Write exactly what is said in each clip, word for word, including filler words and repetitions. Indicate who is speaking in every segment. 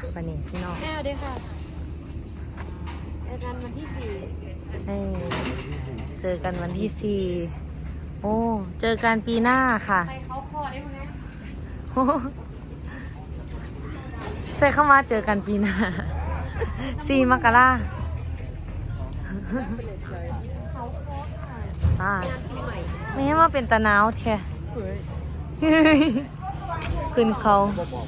Speaker 1: วันนี้พี่น้อง
Speaker 2: แม่เด้ค่ะเจอกันวันที่สี่
Speaker 1: ให้เจอกันวันที่สี่โอ้เจอกันปีหน้าค่ะ
Speaker 2: ไปเขาคอได้ไหม
Speaker 1: ใส่เข้ามาเจอกันปีหน้าสี่มกรา
Speaker 2: เขาคอค่ะ
Speaker 1: อ่าง
Speaker 2: านปีใหม่
Speaker 1: ไม่ให้ว่าเป็นตะนาวแท้ขึ้นเขา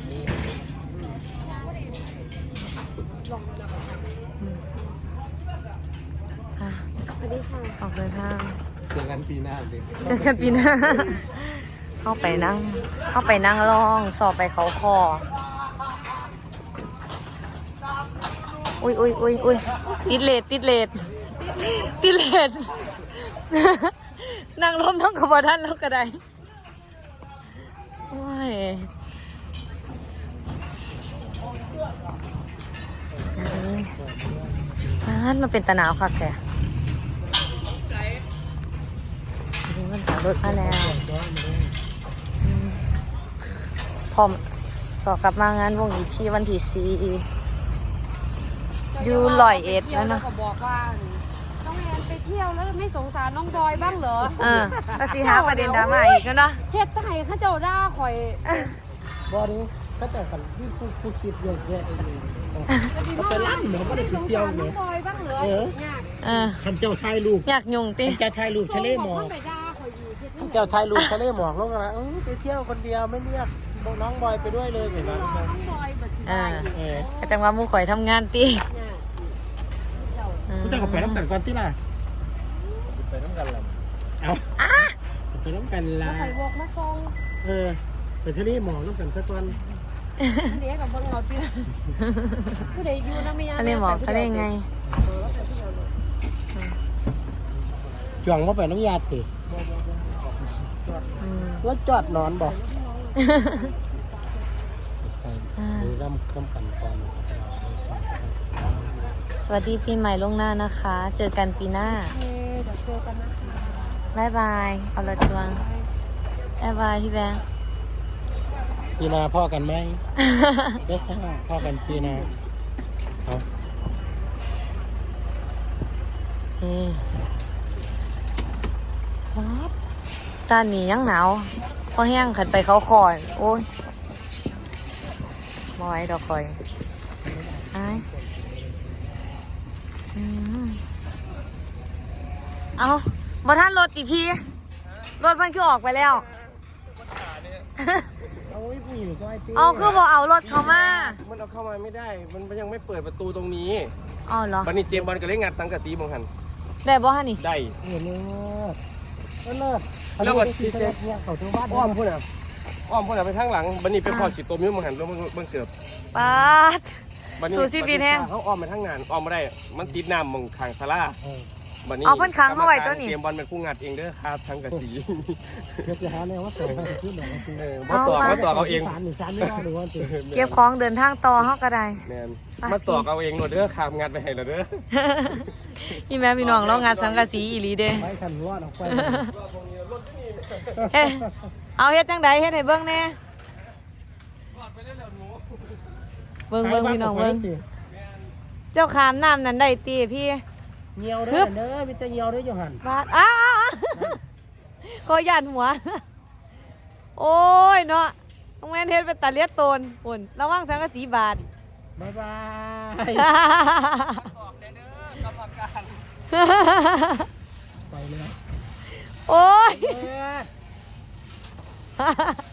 Speaker 2: สวัสดีค่ะ
Speaker 1: ออกเดินทาง
Speaker 3: เจอกันปีหน้าเลย
Speaker 1: เจอกันปีหน้าเข้าไปนั่งเข้าไปนั่งรองสอบไปเขาคออุ้ยอุ้ยอุ้ยอุ้ยติดเลดติดเลดติดเลดนั่งล้มท้องกระบอกท่านแล้วก็ได้โอ้ยอ่านมาเป็นตะหนาวค่ะแกนี่มันขับรถมาแล้วพร้อมสอบกลับมางานวงอีกที่วันที่สี่อยู่ลอยเอ็ดแล้วนะ
Speaker 2: ก็บอกว่าน้องแอนไปเที่ยวแล้วไม่สงสารน้องบอยบ้างเหรอ
Speaker 1: เออแล้วสิหาประเด็นดราม่าอีกแล้วเนาะ
Speaker 2: เฮ็ดไห้ข้าเจ้าด่าข่อย
Speaker 3: บอดี้ก็แต่กันที่ผู้ผู้คิดเยอะแยะเองเขาไปร้านเหมือนก็ได้ไปเที่ยวเนี่ยเออ
Speaker 1: เออ
Speaker 3: ท่านเจ้าชายลูก
Speaker 1: อยากยุ่งติ
Speaker 3: ท่านเจ้าชายลูกทะเลหมอกท่านเจ้าชายลูกทะเลหมอกลงอะไรเออไปเที่ยวคนเดียวไม่เรียกน้องบอยไปด้วยเลยเหมือนกัน
Speaker 1: เออ
Speaker 3: เออ
Speaker 1: แต่จังว่าหมู่ข่อยทำงานติ
Speaker 3: ผู้เจ้าก็ไปน้ำกันก่อนที่ล่ะไปน้ำกันล่ะเอาไปน้ำกันล่ะ
Speaker 2: ไข่วอกมาซอง
Speaker 3: เออไปทะเลหมอกน้ำกันสักวัน
Speaker 2: เดี๋ยวกับเบิ้งเราตีผู้ใดอยู่นะเมีย
Speaker 1: ทะเลหมอกทะเลไง
Speaker 3: จ่วงว่าไปน้ำยาติว่าจอดนอนบอกดูร่ำร่ำกันก่อน
Speaker 1: สวัสดีปีใหม่ล่วงหน้านะคะ เจอกันปีหน้า
Speaker 2: เดี๋ยวเจอกันนะคะ
Speaker 1: บ๊ายบายเอาละจวงบ๊ายบายพี่แบงค์
Speaker 3: ปีนาพ่อกันไหมเดซ่าพ่อกันปีนาเอา
Speaker 1: เฮ้วัดด้านนี้ยังหนาวพอแห้งขันไปเขาคอนโอ้ยบอยดอกคอยไอ้อืมเอาบ่ท่านรถติพี่รถมันคือออกไปแล้ว
Speaker 3: เอาไว้ผู้หญิงซอยตี
Speaker 1: เอาคือบอกเอารถเขามา
Speaker 3: มันเอาเข้ามาไม่ได้ มันยังไม่เปิดประตูตรงนี้
Speaker 1: อ๋อเหรอ
Speaker 3: วันนี้เจมบอลก็เลยงัดสังกะสีมองหัน
Speaker 1: ได้บ่ฮะนี่
Speaker 3: ได้เออเลิศเลิศแล้วก็ทีเจเนี่ยเขาทั้งบ้านอ้อมพุ่นอ่ะอ้อมพุ่นอ่ะไปทางหลังวันนี้เป็นพอขีดตัวมิ้วมองหันแล้วมันมันเกือบ
Speaker 1: ปาด สู่ซีบีแห้ง
Speaker 3: เขาอ้อมไปทางงานอ้อมไม่ได้ มันติดน้ำมองทางซาร่าวันนี้
Speaker 1: เอาเพิ่นค้างเข้าไว้ตัวนี้
Speaker 3: เกมบอลเป็นผู้งัดเองเด้อครับทั้งกะสีเพื่อจะหาแนวว่าต่อให้ขึ้นหน่อยเออมาต่อมาต่อเอาเองสามหนึ่งสามไม่ได้หรือว่า
Speaker 1: เก็บของเดินทางต่อเฮาก็ได้
Speaker 3: แมนมาต่อเอาเองหมดเด้อครับงัดไปให้เราเด้อ
Speaker 1: พี่แม่พี่น้องเรางานสังกะสีอีหลีเด้
Speaker 3: ไปขันรอดออกไป
Speaker 1: เฮ้เอาเฮ็ดจังไดเฮ็ดให้เบิ่งแน่เบิ่งเบิ่งพี่น้องเบิ่งเจ้าขามน้ำนั่นได้ตีพี่
Speaker 3: เงียวเด้อเด้อมีแต่เงียวเด้ออยู่หัน
Speaker 1: บาดอ้าวขอหยันหัวโอ้ยเนาะต้องแม่นเฮ็ดเป็นตาเลียดโตนปุ่นระวังสังกะสีบาด
Speaker 3: บ๊ายบายบอกเด้อกรรมการไปเลย
Speaker 1: โอ้ย